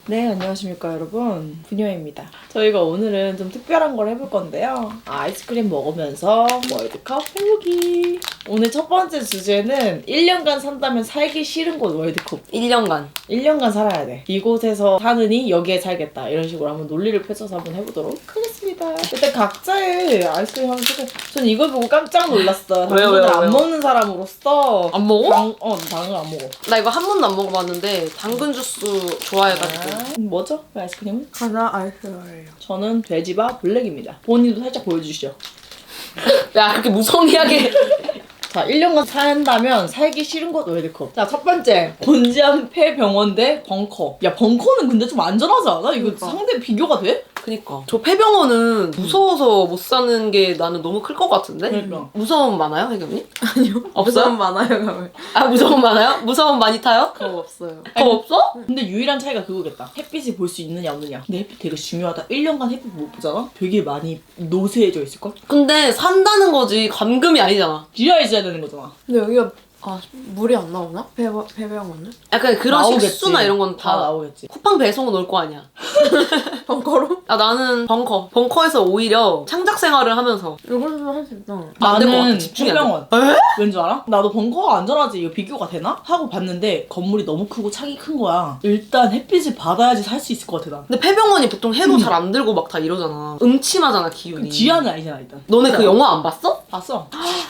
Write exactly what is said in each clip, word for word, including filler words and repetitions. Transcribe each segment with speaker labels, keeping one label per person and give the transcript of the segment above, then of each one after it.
Speaker 1: 네, 안녕하십니까 여러분, 부녀입니다. 저희가 오늘은 좀 특별한 걸 해볼 건데요. 아이스크림 먹으면서 월드컵 해보기. 오늘 첫 번째 주제는 일 년간 산다면 살기 싫은 곳 월드컵.
Speaker 2: 일 년간
Speaker 1: 일 년간 살아야 돼. 이곳에서 사느니 여기에 살겠다. 이런 식으로 한번 논리를 펼쳐서 한번 해보도록 하겠습니다. 일단 각자의 아이스크림 한번 소개. 전 이걸 보고 깜짝 놀랐어.
Speaker 2: 왜요,
Speaker 1: 당근을
Speaker 2: 왜요,
Speaker 1: 안
Speaker 2: 왜요?
Speaker 1: 먹는 사람으로서.
Speaker 2: 안 먹어?
Speaker 1: 당, 어, 당근 안 먹어.
Speaker 2: 나 이거 한 번도 안 먹어봤는데 당근 주스 좋아해가지고.
Speaker 1: 아, 뭐죠? 그 아이스크림은?
Speaker 3: 가나 아이스예요.
Speaker 1: 저는 돼지바 블랙입니다. 본인도 살짝 보여주시죠.
Speaker 2: 야 그렇게 무성의하게.
Speaker 1: 자, 일 년간 산다면 살기 싫은 곳 월드컵. 자, 첫 번째. 곤지암 폐병원 대 벙커. 야, 벙커는 근데 좀 안전하지 않아? 이거
Speaker 3: 그러니까.
Speaker 1: 상대 비교가 돼?
Speaker 2: 그니까 저 폐병원은 무서워서 못 사는 게 나는 너무 클 것 같은데?
Speaker 1: 그러니까.
Speaker 2: 무서움 많아요 혜경님?
Speaker 3: 아니요.
Speaker 2: 없어요?
Speaker 3: 무서움 많아요, 가면.
Speaker 2: 아 무서움 많아요? 무서움 많이 타요?
Speaker 3: 그거 없어요.
Speaker 2: 더 없어?
Speaker 1: 근데 유일한 차이가 그거겠다. 햇빛을 볼 수 있느냐 없느냐. 근데 햇빛 되게 중요하다. 일 년간 햇빛 못 보잖아? 되게 많이 노쇠해져 있을걸?
Speaker 2: 근데 산다는 거지 감금이 아니잖아.
Speaker 1: 지하에 있어야 되는 거잖아.
Speaker 3: 근데 여기가 아 물이 안 나오나? 배 배병원은?
Speaker 2: 약간 그런
Speaker 1: 나오겠지.
Speaker 2: 식수나 이런 건
Speaker 1: 다
Speaker 2: 다
Speaker 1: 나오겠지.
Speaker 2: 쿠팡 배송은 올 거 아니야.
Speaker 3: 벙커로?
Speaker 2: 아 나는 벙커. 벙커에서 오히려 창작 생활을 하면서
Speaker 3: 이걸로 할 수 있다.
Speaker 2: 안 될 것 같아.
Speaker 1: 나는
Speaker 2: 집중이 안 돼.
Speaker 1: 폐병원.
Speaker 2: 에?
Speaker 1: 왠 줄 알아? 나도 벙커가 안전하지 이거 비교가 되나? 하고 봤는데 건물이 너무 크고 창이 큰 거야. 일단 햇빛을 받아야지 살 수 있을 것 같아 난.
Speaker 2: 근데 폐병원이 보통 해도 잘 안 들고 막 다 이러잖아. 음침하잖아 기운이.
Speaker 1: 지하는 아니잖아 일단.
Speaker 2: 너네 그
Speaker 1: 진짜.
Speaker 2: 영화 안 봤어?
Speaker 1: 봤어.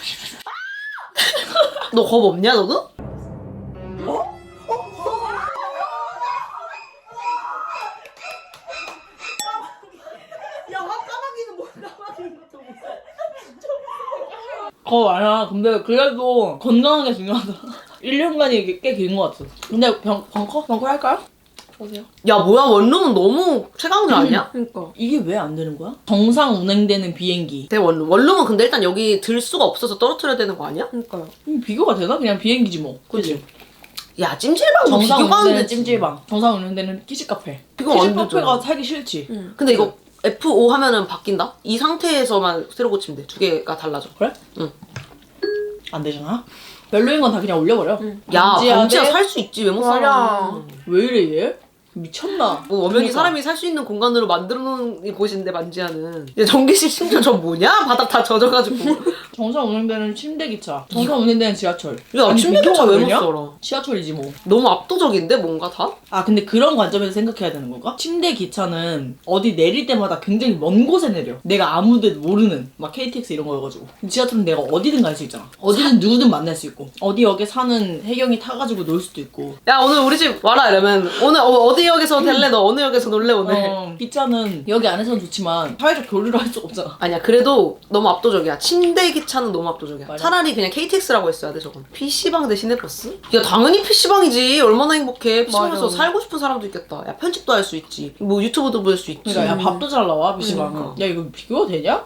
Speaker 2: 너 겁 없냐 너도?
Speaker 1: 거 많아. 근데 그래도 건강하게 중요하다. 일 년간이 꽤 긴 것 같아. 근데 병, 벙커? 벙커 할까요? 보세요.
Speaker 2: 야 뭐야 원룸은 너무 최강자 아니야?
Speaker 3: 그러니까.
Speaker 1: 이게 왜 안 되는 거야? 정상 운행되는 비행기.
Speaker 2: 대원룸. 원룸은 근데 일단 여기 들 수가 없어서 떨어뜨려야 되는 거 아니야?
Speaker 3: 그러니까요.
Speaker 1: 음, 비교가 되나? 그냥 비행기지 뭐.
Speaker 2: 그치? 야 찜질방도
Speaker 1: 정상
Speaker 2: 비교가 안
Speaker 1: 운행되는
Speaker 2: 되지.
Speaker 1: 찜질방. 정상 운행되는 키즈카페.
Speaker 2: 비교가 안
Speaker 1: 키즈카페가
Speaker 2: 되잖아.
Speaker 1: 살기 싫지.
Speaker 3: 응.
Speaker 2: 근데 이거 에프 오 하면은 바뀐다? 이 상태에서만 새로 고치면 돼. 두 개가 달라져.
Speaker 1: 그래?
Speaker 2: 응.
Speaker 1: 안 되잖아. 별로인 건 다 그냥 올려버려.
Speaker 3: 응.
Speaker 2: 야
Speaker 1: 반지하
Speaker 2: 반지하
Speaker 1: 대-
Speaker 2: 살 수 있지 왜 못
Speaker 3: 맞아.
Speaker 2: 살아?
Speaker 1: 왜 이래 얘? 미쳤나?
Speaker 2: 뭐 엄연히
Speaker 1: 그러니까.
Speaker 2: 사람이 살 수 있는 공간으로 만들어 놓은 곳인데 반지하는. 야 전기실 심지어 저 뭐냐? 바닥 다 젖어가지고.
Speaker 1: 정상 운행되는 침대 기차. 정상 운행되는 지하철.
Speaker 2: 야
Speaker 1: 아니,
Speaker 2: 침대
Speaker 1: 비교가
Speaker 2: 기차 왜 못
Speaker 1: 되냐?
Speaker 2: 살아?
Speaker 1: 지하철이지 뭐.
Speaker 2: 너무 압도적인데 뭔가 다?
Speaker 1: 아 근데 그런 관점에서 생각해야 되는 건가? 침대 기차는 어디 내릴 때마다 굉장히 먼 곳에 내려. 내가 아무데도 모르는 막 케이티엑스 이런 거여가지고. 지하철은 내가 어디든 갈 수 있잖아. 어디든 누구든 만날 수 있고 어디 역에 사는 혜경이 타가지고 놀 수도 있고.
Speaker 2: 야 오늘 우리 집 와라 이러면 오늘 어, 어디 역에서 될래? 너 어느 역에서 놀래 오늘?
Speaker 1: 어, 기차는 여기 안에서는 좋지만 사회적 교류를 할 수가 없잖아.
Speaker 2: 아니야 그래도 너무 압도적이야. 침대 기차는 너무 압도적이야.
Speaker 1: 맞아.
Speaker 2: 차라리 그냥 케이티엑스라고 했어야 돼 저건. 피시방 대신에 버스? 야 당연히 피시방이지. 얼마나 행복해. 피시방에서
Speaker 3: 맞아.
Speaker 2: 살고 싶은 사람도 있겠다. 야 편집도 할 수 있지. 뭐 유튜브도 볼 수 있지.
Speaker 1: 그러니까 야 밥도 잘 나와 피시방은.
Speaker 2: 그러니까.
Speaker 1: 야 이거 비교가 되냐?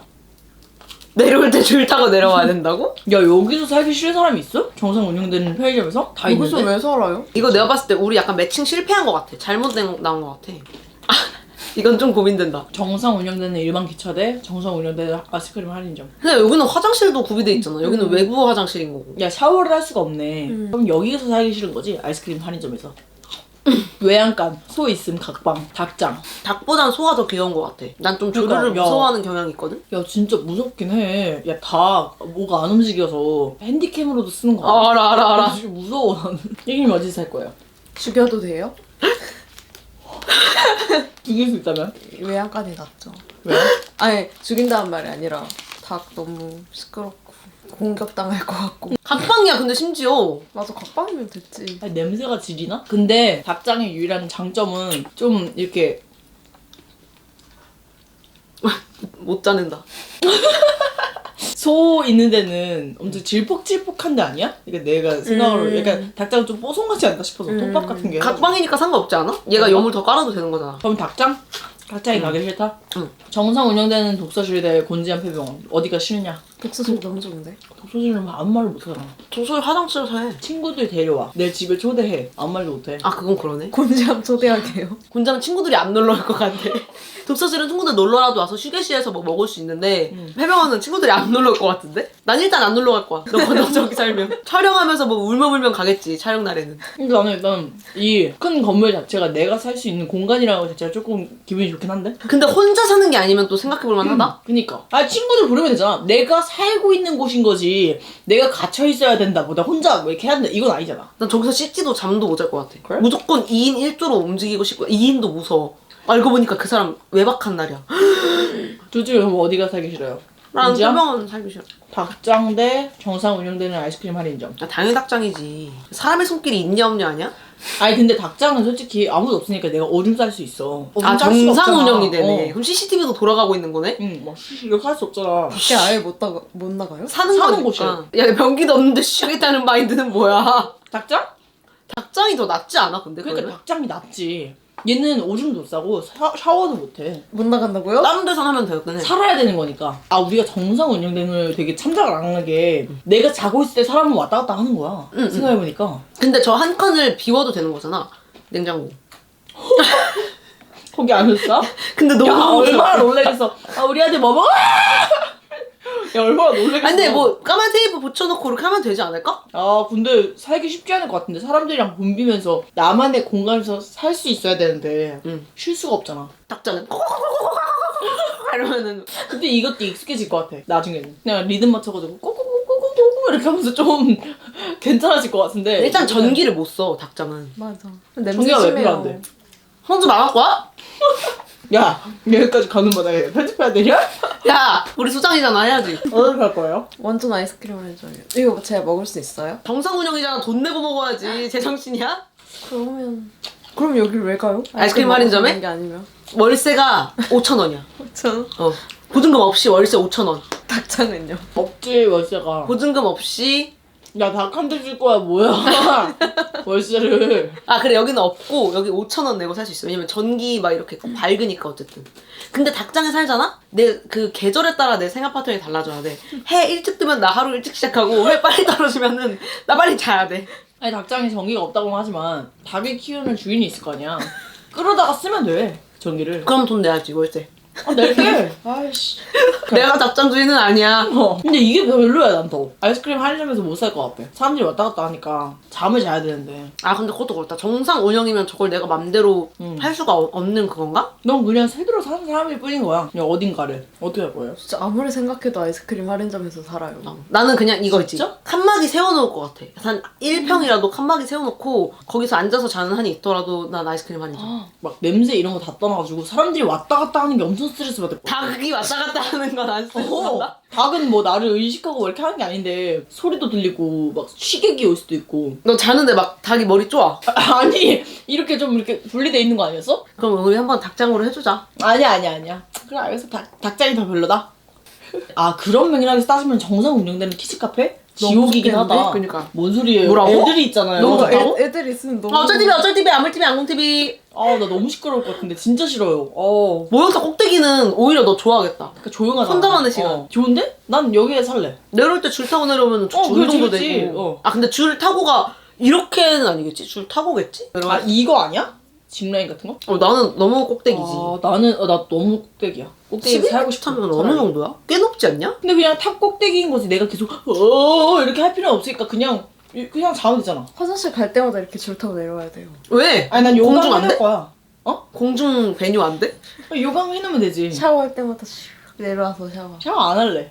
Speaker 2: 내려올 때 줄 타고 내려와야 된다고?
Speaker 1: 야 여기서 살기 싫은 사람이 있어? 정상 운영되는 편의점에서? 다
Speaker 3: 여기서
Speaker 1: 있는데?
Speaker 3: 왜 살아요?
Speaker 2: 이거 내가 봤을 때 우리 약간 매칭 실패한 것 같아. 잘못된 나온 것 같아. 아, 이건 좀 고민된다.
Speaker 1: 정상 운영되는 일반 기차 대 정상 운영되는 아이스크림 할인점.
Speaker 2: 근데 여기는 화장실도 구비돼 있잖아. 여기는 외부 화장실인 거고.
Speaker 1: 야 샤워를 할 수가 없네.
Speaker 3: 음.
Speaker 1: 그럼 여기서 살기 싫은 거지? 아이스크림 할인점에서. 외양간, 소 있음, 각방, 닭장.
Speaker 2: 닭보단 소가 더 귀여운 것 같아. 난 좀 조류를
Speaker 1: 그러니까, 야.
Speaker 2: 무서워하는 경향이 있거든?
Speaker 1: 야 진짜 무섭긴 해. 야 닭 뭐가 안 움직여서 핸디캠으로도 쓰는 거
Speaker 2: 아, 알아 알아 알아.
Speaker 1: 진짜 무서워 나는. 혜경님 어디서 살 거예요?
Speaker 3: 죽여도 돼요?
Speaker 1: 죽일 수 있다면?
Speaker 3: 외양간이 낫죠.
Speaker 1: 왜?
Speaker 3: 아니 죽인다는 말이 아니라 닭 너무 시끄럽고 공격당할 것 같고.
Speaker 2: 각방이야 근데 심지어.
Speaker 3: 맞아, 각방이면 됐지.
Speaker 1: 아니, 냄새가 지리나? 근데 닭장의 유일한 장점은 좀 이렇게
Speaker 2: 못 자는다.
Speaker 1: 소 있는 데는 엄청 질퍽질퍽한 데 아니야? 그러니까 내가 생각으로
Speaker 3: 음.
Speaker 1: 약간 닭장은 좀 뽀송하지 않나 싶어서
Speaker 3: 음.
Speaker 1: 톱밥 같은 게.
Speaker 2: 각방이니까 상관없지 않아? 얘가
Speaker 1: 그런가?
Speaker 2: 여물 더 깔아도 되는 거잖아.
Speaker 1: 그럼 닭장? 닭장이 가기 싫다?
Speaker 2: 응.
Speaker 1: 정상 운영되는 독서실 대 곤지암 폐병원 어디가 싫냐?
Speaker 3: 독서실 너무 좋은데?
Speaker 1: 독서실은 아무 말을 못하잖아.
Speaker 2: 도서실 화장실에서 해.
Speaker 1: 친구들 데려와. 내 집에 초대해. 아무 말도 못해.
Speaker 2: 아 그건 그러네.
Speaker 3: 곤지암 초대하게요.
Speaker 2: 곤자는 친구들이 안 놀러 올 것 같아. 독서실은 친구들 놀러라도 와서 휴게실에서 뭐 먹을 수 있는데
Speaker 1: 음.
Speaker 2: 해명하는 친구들이 안 놀러 올 것 같은데? 난 일단 안 놀러 갈 거야. 너, 너 저기 살면. 촬영하면서 뭐 울며불며 가겠지, 촬영 날에는.
Speaker 1: 근데 나는 일단 이 큰 건물 자체가 내가 살 수 있는 공간이라고 자체가 조금 기분이 좋긴 한데?
Speaker 2: 근데 혼자 사는 게 아니면 또 생각해볼 만하다?
Speaker 1: 그니까. 아, 친구들 부르면 되잖아. 내가 살고 있는 곳인 거지. 내가 갇혀 있어야 된다. 보다 혼자 뭐 이렇게 해야 된다. 이건 아니잖아.
Speaker 2: 난 저기서 씻지도 잠도 못 잘 것 같아.
Speaker 1: 그래?
Speaker 2: 무조건 이 인 일 조로 움직이고 싶고 이 인도 무서워. 알고 보니까 그 사람 외박한 날이야.
Speaker 1: 둘 중에 그럼 어디가 살기 싫어요?
Speaker 2: 나는
Speaker 1: 인지야?
Speaker 2: 설명은 살기 싫어.
Speaker 1: 닭장 대 정상 운영되는 아이스크림 할인점.
Speaker 2: 야, 당연히 닭장이지. 사람의 손길이 있냐 없냐 아니야?
Speaker 1: 아니 근데 닭장은 솔직히 아무도 없으니까 내가 오줌 쌀 수 있어. 오줌
Speaker 2: 아
Speaker 1: 쌀 수가
Speaker 2: 정상
Speaker 1: 없잖아.
Speaker 2: 운영이 되네.
Speaker 1: 어.
Speaker 2: 그럼 씨씨티비도 돌아가고 있는 거네?
Speaker 1: 응, 막 쉬쉬 이렇게 할 수 없잖아.
Speaker 3: 밖에 아예 못, 나가, 못 나가요?
Speaker 2: 사는,
Speaker 1: 사는
Speaker 2: 거니까.
Speaker 1: 곳이야.
Speaker 2: 야 변기도 없는데 쉬겠다는 마인드는 뭐야?
Speaker 1: 닭장?
Speaker 2: 닭장이 더 낫지 않아 근데
Speaker 1: 그러니까
Speaker 2: 그러면?
Speaker 1: 닭장이 낫지. 얘는 오줌도 싸고 샤, 샤워도 못해.
Speaker 3: 못 나간다고요?
Speaker 2: 다른 데서 하면 되겠네.
Speaker 1: 살아야 되는 거니까. 아, 우리가 정상 운영되는 걸 되게 참작을 안 하게 내가 자고 있을 때 사람은 왔다 갔다 하는 거야.
Speaker 2: 응, 응.
Speaker 1: 생각해보니까.
Speaker 2: 근데 저 한 칸을 비워도 되는 거잖아. 냉장고.
Speaker 1: 거기 안 했어?
Speaker 2: 근데 너무
Speaker 1: 야,
Speaker 2: 무서워.
Speaker 1: 얼마나 놀래겠어. 아, 우리 아들 뭐 먹어? 야, 얼마나 놀래겠어.
Speaker 2: 아니 근데 뭐 까만 테이프 붙여놓고 이렇게 하면 되지 않을까?
Speaker 1: 아, 근데 살기 쉽지 않을 것 같은데. 사람들이랑 붐비면서 나만의 공간에서 살 수 있어야 되는데
Speaker 2: 응.
Speaker 1: 쉴 수가 없잖아.
Speaker 2: 닭장은 이러면은
Speaker 1: 근데 이것도 익숙해질 것 같아. 나중에는. 그냥 리듬 맞춰가지고 꼬꼬꼬꼬꼬꼬 이렇게 하면서 좀 괜찮아질 것 같은데.
Speaker 2: 일단 전기를 못 써 닭장은.
Speaker 3: 맞아. 냄새
Speaker 1: 전기가 왜
Speaker 3: 심해요.
Speaker 1: 필요한데?
Speaker 2: 혼자 나갈 거야?
Speaker 1: 야, 여기까지 가는 마당에 편집해야 되냐?
Speaker 2: 야 우리 수장이잖아 해야지.
Speaker 1: 어디로 갈 거예요?
Speaker 3: 완전 아이스크림을 해줘요. 이거 제가 먹을 수 있어요?
Speaker 2: 정상 운영이잖아. 돈 내고 먹어야지. 제정신이야?
Speaker 3: 그러면 그럼 여기를 왜 가요?
Speaker 2: 아이스크림
Speaker 3: 먹을
Speaker 2: 할인점에?
Speaker 3: 수 있는 게 아니면
Speaker 2: 월세가 오천 원이야.
Speaker 3: 저
Speaker 2: 어. 보증금 없이 월세 오천 원.
Speaker 3: 닭장은요?
Speaker 1: 없지, 월세가.
Speaker 2: 보증금 없이.
Speaker 1: 야, 닭 한 대 줄 거야, 뭐야. 월세를.
Speaker 2: 아 그래 여기는 없고 여기 오천 원 내고 살 수 있어. 왜냐면 전기 막 이렇게 밝으니까 어쨌든. 근데 닭장에 살잖아? 내 그 계절에 따라 내 생활 패턴이 달라져야 돼. 해 일찍 뜨면 나 하루 일찍 시작하고 해 빨리 떨어지면은 나 빨리 자야 돼.
Speaker 1: 아니, 닭장에 전기가 없다고는 하지만 닭을 키우는 주인이 있을 거 아니야. 끌어다가 쓰면 돼, 전기를.
Speaker 2: 그럼 돈 내야지 월세.
Speaker 1: 아, 낼게. 아이씨.
Speaker 2: 내가 닭장 주인은 아니야.
Speaker 1: 어. 근데 이게 별로야, 난 더. 아이스크림 할인점에서 못 살 것 같아. 사람들이 왔다 갔다 하니까 잠을 자야 되는데.
Speaker 2: 아 근데 그것도 그렇다. 정상 운영이면 저걸 내가 맘대로
Speaker 1: 음.
Speaker 2: 할 수가 어- 없는 그건가?
Speaker 1: 넌 그냥 새들어 사는 사람일 뿐인 거야. 그냥 어딘가를. 어떻게 할 거예요?
Speaker 3: 진짜 아무리 생각해도 아이스크림 할인점에서 살아요.
Speaker 2: 어. 나는 그냥 이거 있지.
Speaker 1: 진짜?
Speaker 2: 칸막이 세워놓을 것 같아. 한 일 평이라도 칸막이 세워놓고 거기서 앉아서 자는 한이 있더라도 난 아이스크림 할인점.
Speaker 1: 막 냄새 이런 거 다 떠나가지고 사람들이 왔다 갔다 하는 게 엄청 스트레스 받을 거야.
Speaker 2: 닭이 왔다 갔다 하는 건 안 스트레스
Speaker 1: 어,
Speaker 2: 받아?
Speaker 1: 닭은 뭐 나를 의식하고 뭐 이렇게 하는 게 아닌데 소리도 들리고 막 시객이 올 수도 있고.
Speaker 2: 너 자는데 막 닭이 머리 쪼아.
Speaker 1: 아, 아니 이렇게 좀 이렇게 분리돼 있는 거 아니었어?
Speaker 2: 그럼 우리 한번 닭장으로 해주자.
Speaker 1: 아니야 아니야 아니야. 그래 알겠어. 닭, 닭장이 더 별로다. 아, 그런 맥락에서 따지면 정상 운영되는 키즈카페? 지옥이긴
Speaker 3: 좋겠는데?
Speaker 1: 하다.
Speaker 2: 그러니까.
Speaker 1: 뭔 소리예요?
Speaker 2: 뭐라고?
Speaker 1: 애들이 있잖아요.
Speaker 2: 너무
Speaker 3: 뭔가
Speaker 2: 좋다고?
Speaker 3: 애, 애들 있으면 너무
Speaker 2: 어, 어쩔 티비 어쩔 티비 아물 티비 안공 티비.
Speaker 1: 아, 나 너무 시끄러울 것 같은데 진짜 싫어요. 어.
Speaker 2: 모욕탕 꼭대기는 오히려 너 좋아하겠다.
Speaker 1: 그러니까 조용하다.
Speaker 2: 혼자만의 시간.
Speaker 1: 어. 좋은데? 난 여기에 살래.
Speaker 2: 내려올 때 줄 타고 내려오면 주
Speaker 1: 어, 그래,
Speaker 2: 운동도
Speaker 1: 재밌지.
Speaker 2: 되고.
Speaker 1: 어.
Speaker 2: 아 근데 줄 타고가 이렇게는 아니겠지? 줄 타고겠지?
Speaker 1: 아, 이거 아니야? 짚라인 같은 거?
Speaker 2: 어, 나는 너무 꼭대기지.
Speaker 1: 아, 나는 어, 나 너무 꼭대기야. 꼭대기
Speaker 2: 십일
Speaker 1: 살고 싶어.
Speaker 2: 타면 어느 정도야? 꽤 높지 않냐?
Speaker 1: 근데 그냥 탑 꼭대기인 거지. 내가 계속 어 이렇게 할 필요는 없으니까 그냥 그냥 자면 되잖아.
Speaker 3: 화장실 갈 때마다 이렇게 줄 타고 내려와야 돼요.
Speaker 2: 왜?
Speaker 1: 아니 난
Speaker 2: 공중
Speaker 1: 요강
Speaker 2: 안 돼?
Speaker 1: 해놓을 거야. 어?
Speaker 2: 공중 배뉴 안 돼?
Speaker 1: 요강 해놓으면 되지.
Speaker 3: 샤워할 때마다 슉 내려와서 샤워.
Speaker 1: 샤워 안 할래.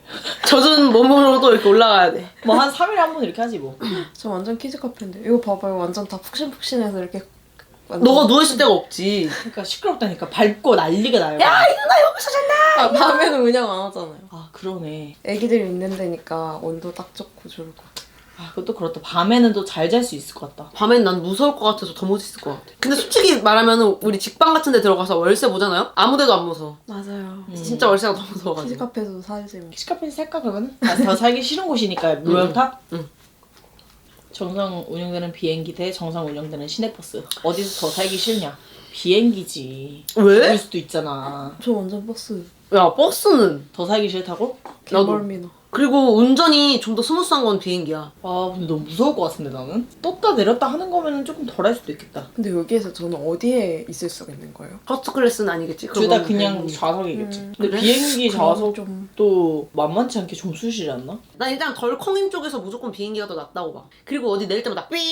Speaker 2: 젖은 몸으로도 이렇게 올라가야 돼.
Speaker 1: 뭐 한 삼 일에 한 번 이렇게 하지 뭐.
Speaker 3: 저 완전 키즈 카페인데 이거 봐봐요. 완전 다 푹신푹신해서 이렇게 완전-
Speaker 2: 너가 누워있을 데가 없지.
Speaker 1: 그러니까 시끄럽다니까. 밟고 난리가 나요.
Speaker 2: 야 이누나 여기서 잔다!
Speaker 3: 아, 밤에는 그냥 안 하잖아요.
Speaker 1: 아, 그러네.
Speaker 3: 애기들이 있는 데니까 온도 딱 좋고 좋고.
Speaker 1: 아, 그것도 그렇다. 밤에는 또 잘 잘 수 있을 것 같다.
Speaker 2: 밤엔 난 무서울 것 같아서 더 못 있을 것 같아. 근데 솔직히 말하면 우리 직방 같은 데 들어가서 월세 보잖아요? 아무 데도 안 무서워.
Speaker 3: 맞아요.
Speaker 2: 진짜 월세가 너무
Speaker 3: 키즈
Speaker 2: 무서워가지고.
Speaker 3: 카페에서도 살지 뭐.
Speaker 1: 키즈카페에서 살까 그러면? 아, 더 살기 싫은 곳이니까 무역탑?
Speaker 2: 응.
Speaker 1: 정상 운영되는 비행기 대 정상 운영되는 시내버스. 어디서 더 살기 싫냐? 비행기지.
Speaker 2: 왜?
Speaker 1: 죽을 수도 있잖아.
Speaker 3: 저 완전 버스.
Speaker 2: 야 버스는
Speaker 1: 더 살기 싫다고?
Speaker 2: 나도.
Speaker 3: 개멀미나.
Speaker 2: 그리고 운전이 좀 더 스무스한 건 비행기야.
Speaker 1: 아 근데 너무 무서울 것 같은데 나는? 떴다 내렸다 하는 거면 조금 덜 할 수도 있겠다.
Speaker 3: 근데 여기에서 저는 어디에 있을 수가 있는 거예요?
Speaker 2: 퍼스트 클래스는 아니겠지?
Speaker 1: 둘 다
Speaker 2: 그건
Speaker 1: 그냥
Speaker 2: 비행기.
Speaker 1: 좌석이겠지.
Speaker 3: 음,
Speaker 1: 근데
Speaker 2: 그래?
Speaker 1: 비행기 좌석도
Speaker 3: 좀
Speaker 1: 만만치 않게 좀 수시지 않나?
Speaker 2: 난 일단 덜컹임 쪽에서 무조건 비행기가 더 낫다고 봐. 그리고 어디 내릴 때마다 삐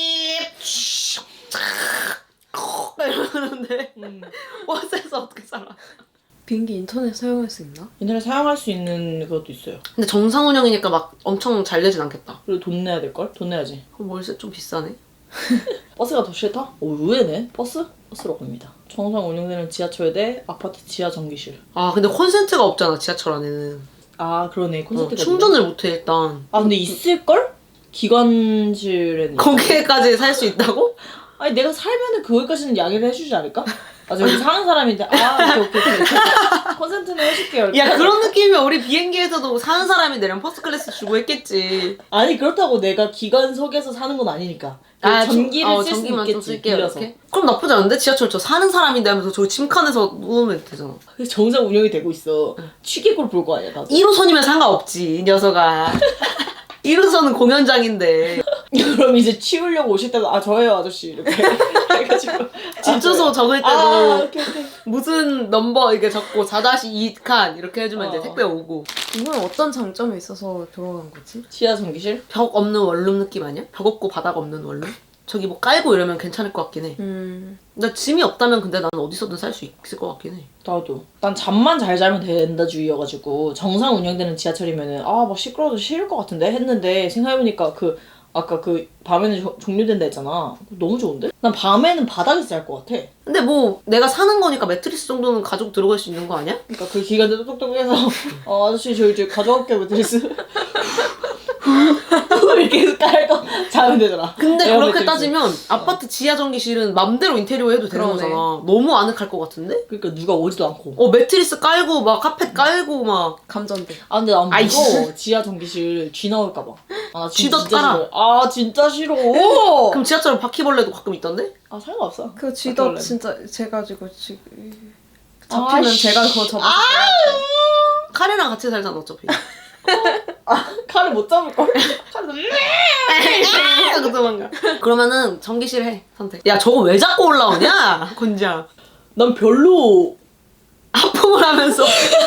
Speaker 2: 이러는데
Speaker 1: 음.
Speaker 2: 버스에서 어떻게 살아?
Speaker 3: 비행기 인터넷 사용할 수 있나?
Speaker 1: 인터넷 사용할 수 있는 그것도 있어요.
Speaker 2: 근데 정상 운영이니까 막 엄청 잘 되진 않겠다.
Speaker 1: 그리고 돈 내야 될걸? 돈 내야지.
Speaker 2: 그럼 월세 좀 비싸네.
Speaker 1: 버스가 더 싫다? 오 의외네. 버스? 버스로 갑니다. 정상 운영되는 지하철 대 아파트 지하 전기실.
Speaker 2: 아 근데 콘센트가 없잖아 지하철 안에는.
Speaker 1: 아 그러네.
Speaker 2: 어,
Speaker 1: 콘센트가
Speaker 2: 충전을 못해 일단.
Speaker 1: 아 근데 있을걸? 기관실에는.
Speaker 2: 거기에까지 살 수 있다고?
Speaker 1: 아니 내가 살면은 그거까지는 양해를 해주지 않을까? 아 저 여기 사는 사람인데 아 오케이 오케이 오케이 콘센트는 해줄게요. 이렇게.
Speaker 2: 야 그런 느낌이면 우리 비행기에서도 사는 사람이 내려면 퍼스트 클래스 주고 했겠지.
Speaker 1: 아니 그렇다고 내가 기관석에서 사는 건 아니니까.
Speaker 2: 아,
Speaker 1: 전기를
Speaker 2: 좀- 어,
Speaker 1: 쓸 수
Speaker 2: 전기만 좀
Speaker 1: 있겠지.
Speaker 2: 쓸게요,
Speaker 1: 빌려서.
Speaker 2: 이렇게? 그럼 나쁘지 않은데? 지하철 저 사는 사람인데 하면서 저 침칸에서 누우면 되잖아.
Speaker 1: 그래서 정상 운영이 되고 있어. 취객으로 볼 거 아니야 나도.
Speaker 2: 일 호선이면 상관없지 이 녀석아. 일 호선은 공연장인데
Speaker 1: 그럼 이제 치우려고 오실 때도 아 저예요 아저씨 이렇게 해가지고
Speaker 2: 집 주소 적을 때도
Speaker 1: 아 오케이 오케이.
Speaker 2: 무슨 넘버 이렇게 적고 사 이 칸 이렇게 해주면 이제
Speaker 1: 어.
Speaker 2: 택배 오고.
Speaker 3: 이건 어떤 장점이 있어서 들어간 거지?
Speaker 1: 지하 전기실?
Speaker 2: 벽 없는 원룸 느낌 아니야? 벽 없고 바닥 없는 원룸? 저기 뭐 깔고 이러면 괜찮을 것 같긴 해.
Speaker 3: 음.
Speaker 2: 나 짐이 없다면 근데 나는 어디서든 살 수 있을 것 같긴 해.
Speaker 1: 나도. 난 잠만 잘 자면 된다 주의여가지고 정상 운영되는 지하철이면은 아 막 시끄러워서 싫을 것 같은데 했는데 생각해보니까 그 아까 그 밤에는 조- 종료된다 했잖아. 너무 좋은데? 난 밤에는 바닥에서 잘 것 같아.
Speaker 2: 근데 뭐 내가 사는 거니까 매트리스 정도는 가지고 들어갈 수 있는 거 아니야?
Speaker 1: 그러니까 그 기간대도 똑똑해서 어 아저씨 저 이제 가져갈게요 매트리스. 이렇게 해서 깔고 자면 되잖아.
Speaker 2: 근데
Speaker 1: 에어
Speaker 2: 그렇게
Speaker 1: 매트리스.
Speaker 2: 따지면 아파트 지하 전기실은 맘대로 인테리어 해도 되는
Speaker 3: 그러네.
Speaker 2: 거잖아. 너무 아늑할 것 같은데?
Speaker 1: 그러니까 누가 오지도 않고.
Speaker 2: 어 매트리스 깔고 막 카펫 깔고 막
Speaker 3: 감전돼.
Speaker 1: 아 근데 난
Speaker 2: 아이,
Speaker 1: 무서워. 지하 전기실 쥐 나올까봐. 아, 나 쥐
Speaker 2: 쥐도
Speaker 1: 진짜
Speaker 2: 깔아.
Speaker 1: 싫어. 아 진짜 싫어.
Speaker 2: 그럼 지하철은 바퀴벌레도 가끔 있던데?
Speaker 1: 아 상관없어.
Speaker 3: 그 쥐도
Speaker 1: 바퀴벌레.
Speaker 3: 진짜 제가 지고 지금 잡히면
Speaker 1: 아이씨.
Speaker 3: 제가 그거 접어서
Speaker 2: 카레랑 같이 살잖아 어차피.
Speaker 1: 아 칼을 못 잡을 걸. 칼을 너무
Speaker 2: 하고 도망가. 그러면은 전기실 해 선택. 야 저거 왜 자꾸 올라오냐? 곤장.
Speaker 1: 난 별로
Speaker 2: 하품을 하면서.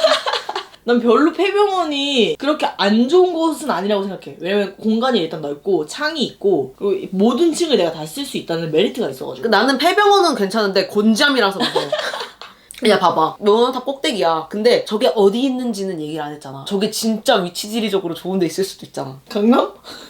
Speaker 1: 난 별로 폐병원이 그렇게 안 좋은 곳은 아니라고 생각해. 왜냐면 공간이 일단 넓고 창이 있고 그리고 모든 층을 내가 다 쓸 수 있다는 메리트가 있어가지고.
Speaker 2: 나는 폐병원은 괜찮은데 곤잠이라서 무서워. 야 봐봐 너는 다 꼭대기야. 근데 저게 어디 있는지는 얘기를 안 했잖아. 저게 진짜 위치 지리적으로 좋은 데 있을 수도 있잖아.
Speaker 1: 강남?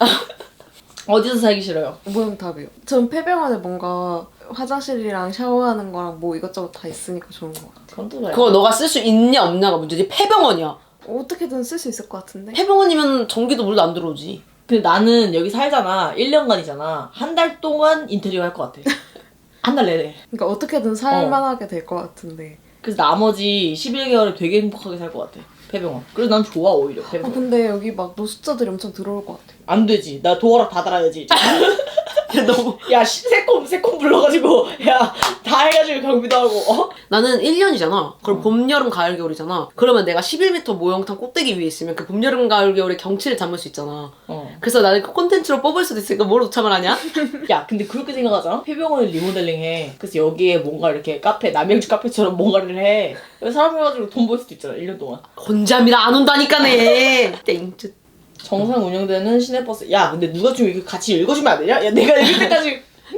Speaker 1: 어디서 살기 싫어요?
Speaker 3: 무용탑이요. 전 폐병원에 뭔가 화장실이랑 샤워하는 거랑 뭐 이것저것 다 있으니까 좋은 것 같아요.
Speaker 1: 그건 또 그래.
Speaker 2: 그거 너가 쓸 수 있냐 없냐가 문제지. 폐병원이야.
Speaker 3: 어떻게든 쓸 수 있을 것 같은데?
Speaker 2: 폐병원이면 전기도 물도 안 들어오지.
Speaker 1: 근데 나는 여기 살잖아. 일 년간이잖아. 한 달 동안 인테리어 할 것 같아. 한 달 내내.
Speaker 3: 그러니까 어떻게든 살만하게 될 것 같은데.
Speaker 1: 그래서 나머지 십일 개월을 되게 행복하게 살 것 같아. 폐병원. 그래서 난 좋아 오히려
Speaker 3: 아
Speaker 1: 폐병원.
Speaker 3: 근데 여기 막 노숙자들이 엄청 들어올 것 같아.
Speaker 1: 안 되지. 나 도어락 다 달아야지.
Speaker 2: 야, 너무.
Speaker 1: 야 시- 새콤 새콤 불러가지고 야 다 해가지고 경비도 하고 어?
Speaker 2: 나는 일 년이잖아. 그럼 봄, 여름, 가을, 겨울이잖아. 그러면 내가 십일 미터 모형탕 꼭대기 위에 있으면 그 봄, 여름, 가을, 겨울의 경치를 담을 수 있잖아.
Speaker 1: 어.
Speaker 2: 그래서 나는 그 콘텐츠로 뽑을 수도 있으니까 뭘 오참을 하냐?
Speaker 1: 야 근데 그렇게 생각하잖아. 폐병원을 리모델링해. 그래서 여기에 뭔가 이렇게 카페 남양주 카페처럼 뭔가를 해. 그래서 사람 해가지고 돈 벌 수도 있잖아. 일 년 동안.
Speaker 2: 곤잠이라 안 온다니까네. 땡쯧.
Speaker 1: 정상 운영되는 시내버스. 야 근데 누가 좀 이렇게 같이 읽어주면 안 되냐? 야 내가 읽을 때까지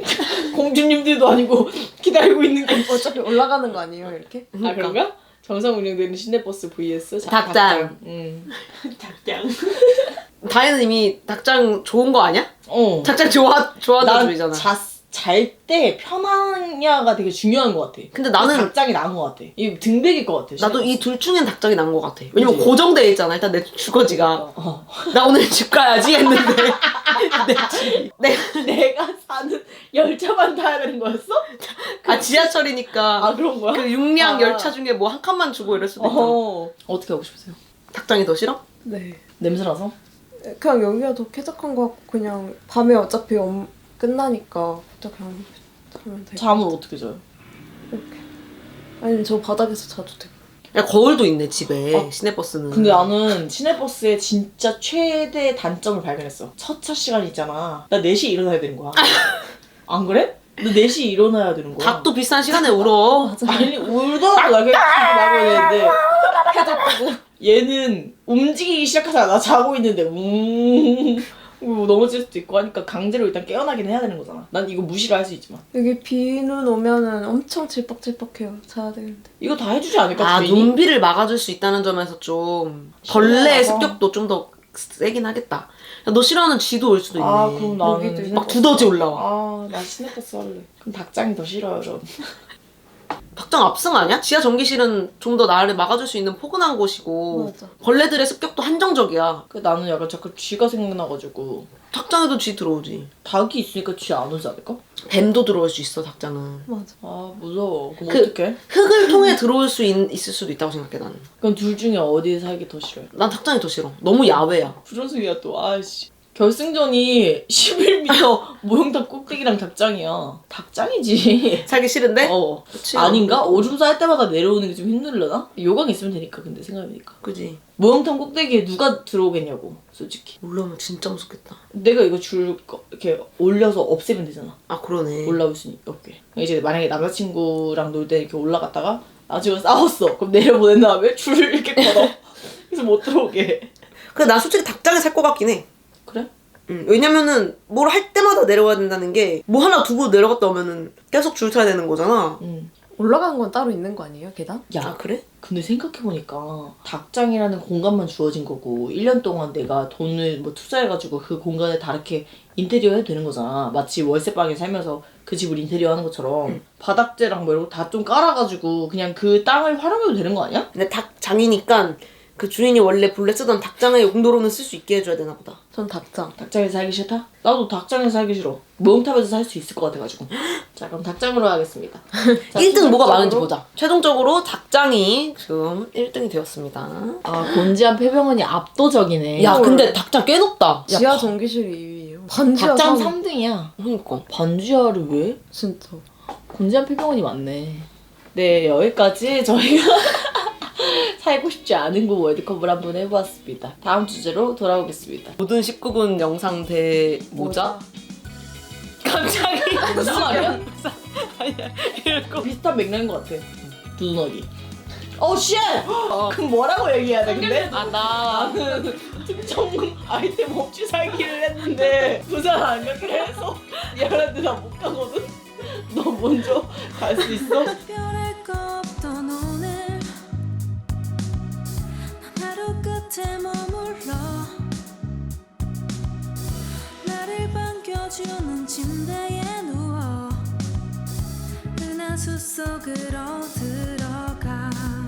Speaker 1: 공주님들도 아니고 기다리고 있는 게.
Speaker 3: 어차피 올라가는 거 아니에요 이렇게?
Speaker 1: 아 그런가? 정상 운영되는 시내버스 vs
Speaker 2: 닭장.
Speaker 1: 응. 닭장.
Speaker 2: 다혜는 이미 닭장 좋은 거 아니야?
Speaker 1: 어.
Speaker 2: 닭장 좋아, 좋아하는 주의잖아.
Speaker 1: 난잘 때 편하냐가 되게 중요한 것 같아.
Speaker 2: 근데 나는-
Speaker 1: 닭장이 나은 것 같아. 이 등백일 것 같아.
Speaker 2: 나도 이 둘 중엔 닭장이 나은 것 같아. 왜냐면
Speaker 1: 그치?
Speaker 2: 고정돼 있잖아. 일단 내 주거지가.
Speaker 1: 어, 어.
Speaker 2: 나 오늘 집 가야지 했는데. 내 집. 내,
Speaker 1: 내가 사는 열차만 타야 되는 거였어?
Speaker 2: 아, 지하철이니까.
Speaker 1: 아 그런 거야?
Speaker 2: 그 육량
Speaker 1: 아.
Speaker 2: 열차 중에 뭐 한 칸만 주고 이럴 수도 있잖아.
Speaker 1: 어. 어떻게 하고 싶으세요?
Speaker 2: 닭장이 더 싫어?
Speaker 3: 네.
Speaker 1: 냄새나서?
Speaker 3: 그냥 여기가 더 쾌적한 것 같고 그냥 밤에 어차피 엄, 끝나니까 그냥 하면 돼.
Speaker 1: 잠을 어떻게 자요?
Speaker 3: 이렇게. 아니면 저 바닥에서 자도 되고.
Speaker 2: 야, 거울도 있네 집에.
Speaker 1: 아,
Speaker 2: 시내버스는.
Speaker 1: 근데 나는 시내버스의 진짜 최대 단점을 발견했어. 첫 차 시간 있잖아. 나 네 시에 일어나야 되는 거야. 안 그래? 너 네 시에 일어나야 되는 거야.
Speaker 2: 닭도 비싼 시간에 울어.
Speaker 1: 아니 울더라도 나 그냥 나고 있는데 해줬고 얘는 움직이기 시작하잖아. 나 자고 있는데 웅 뭐 넘어질 수도 있고 하니까 강제로 일단 깨어나긴 해야 되는 거잖아. 난 이거 무시를 할 수 있지만
Speaker 3: 여기 비눈 오면은 엄청 질퍽질퍽해요. 자야 되는데.
Speaker 1: 이거 다 해주지 않을까?
Speaker 2: 아,
Speaker 1: 주인이?
Speaker 2: 눈비를 막아줄 수 있다는 점에서 좀 벌레의
Speaker 1: 싫어요.
Speaker 2: 습격도 좀 더 세긴 하겠다. 야, 너 싫어하는 쥐도 올 수도 있네.
Speaker 1: 아 그럼 나는
Speaker 3: 여기도
Speaker 1: 시내버스.
Speaker 2: 막 두더지 올라와.
Speaker 1: 아나 시내버스 할래. 그럼 닭장이 더 싫어요 전.
Speaker 2: 닭장 압승 아니야? 지하 전기실은 좀 더 나를 막아줄 수 있는 포근한 곳이고
Speaker 3: 맞아.
Speaker 2: 벌레들의 습격도 한정적이야.
Speaker 1: 그 나는 약간 자꾸 쥐가 생각나가지고
Speaker 2: 닭장에도 쥐 들어오지.
Speaker 1: 닭이 있으니까 쥐 안 오지 않을까?
Speaker 2: 뱀도 들어올 수 있어 닭장은.
Speaker 3: 맞아.
Speaker 1: 아 무서워. 그럼
Speaker 2: 그-
Speaker 1: 어떡해?
Speaker 2: 흙을 통해 들어올 수 있, 있을 수도 있다고 생각해 나는.
Speaker 1: 그럼 둘 중에 어디 살기 더 싫어요?
Speaker 2: 난 닭장이 더 싫어. 너무 야외야.
Speaker 1: 불연승이야 또. 아이씨. 결승전이 십일 미터 모형탑 꼭대기랑 닭장이야. 닭장이지.
Speaker 2: 살기 싫은데?
Speaker 1: 어.
Speaker 2: 그치.
Speaker 1: 아닌가? 오줌 쌀 때마다 내려오는 게 좀 힘들려나? 요강 있으면 되니까 근데 생각해보니까.
Speaker 2: 그지.
Speaker 1: 모형탑 꼭대기에 누가 들어오겠냐고 솔직히.
Speaker 2: 올라오면 진짜 무섭겠다.
Speaker 1: 내가 이거 줄 거 이렇게 올려서 없애면 되잖아.
Speaker 2: 아 그러네.
Speaker 1: 올라올 수 없게. 이제 만약에 남자친구랑 놀 때 이렇게 올라갔다가 나중에 싸웠어. 그럼 내려보낸 다음에 줄을 이렇게 걸어. 그래서 못 들어오게.
Speaker 2: 근데 나 솔직히 닭장에 살 것 같긴 해.
Speaker 1: 그래?
Speaker 2: 응. 왜냐면은 뭘 할 때마다 내려와야 된다는 게 뭐 하나 두고 내려갔다 오면은 계속 줄 타야 되는 거잖아.
Speaker 1: 응.
Speaker 3: 올라가는 건 따로 있는 거 아니에요? 계단?
Speaker 1: 야,
Speaker 2: 아 그래?
Speaker 1: 근데 생각해보니까 닭장이라는 공간만 주어진 거고 일 년 동안 내가 돈을 뭐 투자해가지고 그 공간에 다르게 인테리어 해도 되는 거잖아. 마치 월세방에 살면서 그 집을 인테리어 하는 것처럼
Speaker 2: 응.
Speaker 1: 바닥재랑 뭐 이런 거 다 좀 깔아가지고 그냥 그 땅을 활용해도 되는 거 아니야?
Speaker 2: 근데 닭장이니까 그 주인이 원래 본래 쓰던 닭장의 용도로는 쓸 수 있게 해줘야 되나 보다.
Speaker 3: 전 닭장.
Speaker 1: 닭장에서 살기 싫다? 나도 닭장에서 살기 싫어. 모형탑에서 살 수 있을 것 같아가지고. 자 그럼 닭장으로 하겠습니다. 자,
Speaker 2: 일 등 뭐가
Speaker 1: 최종적으로-
Speaker 2: 많은지 보자. 최종적으로 닭장이 지금 일 등이 되었습니다.
Speaker 1: 아 곤지암 폐병원이 압도적이네.
Speaker 2: 야 근데 닭장 꽤 높다.
Speaker 3: 지하 전기실이 이 위예요. 반지하
Speaker 1: 닭장
Speaker 3: 삼-
Speaker 1: 삼 등이야.
Speaker 2: 그러니까.
Speaker 1: 반지하를 왜?
Speaker 3: 진짜.
Speaker 1: 곤지암 폐병원이 많네. 네, 여기까지 저희가 살고 싶지 않은 곳 월드컵을 한번 해보았습니다. 다음 주제로 돌아오겠습니다.
Speaker 2: 모든 십구 군 영상 대모자? 갑자기
Speaker 1: 무슨 말이야? 아니야, 이거 비슷한 맥락인 것 같아. 두눈어기. 어, 쉣! 그럼 뭐라고 얘기해야 돼, 근데?
Speaker 2: 아 나.
Speaker 1: 나는 특정 아이템 없이 살기를 했는데 부산 안 가기로 해서 미안한데 나 못 가거든? 너 먼저 갈 수 있어?
Speaker 4: 별의 거 없던 오늘 난 하루 끝에 머물러 나를 반겨주는 침대에 누워 은하수 속으로 들어가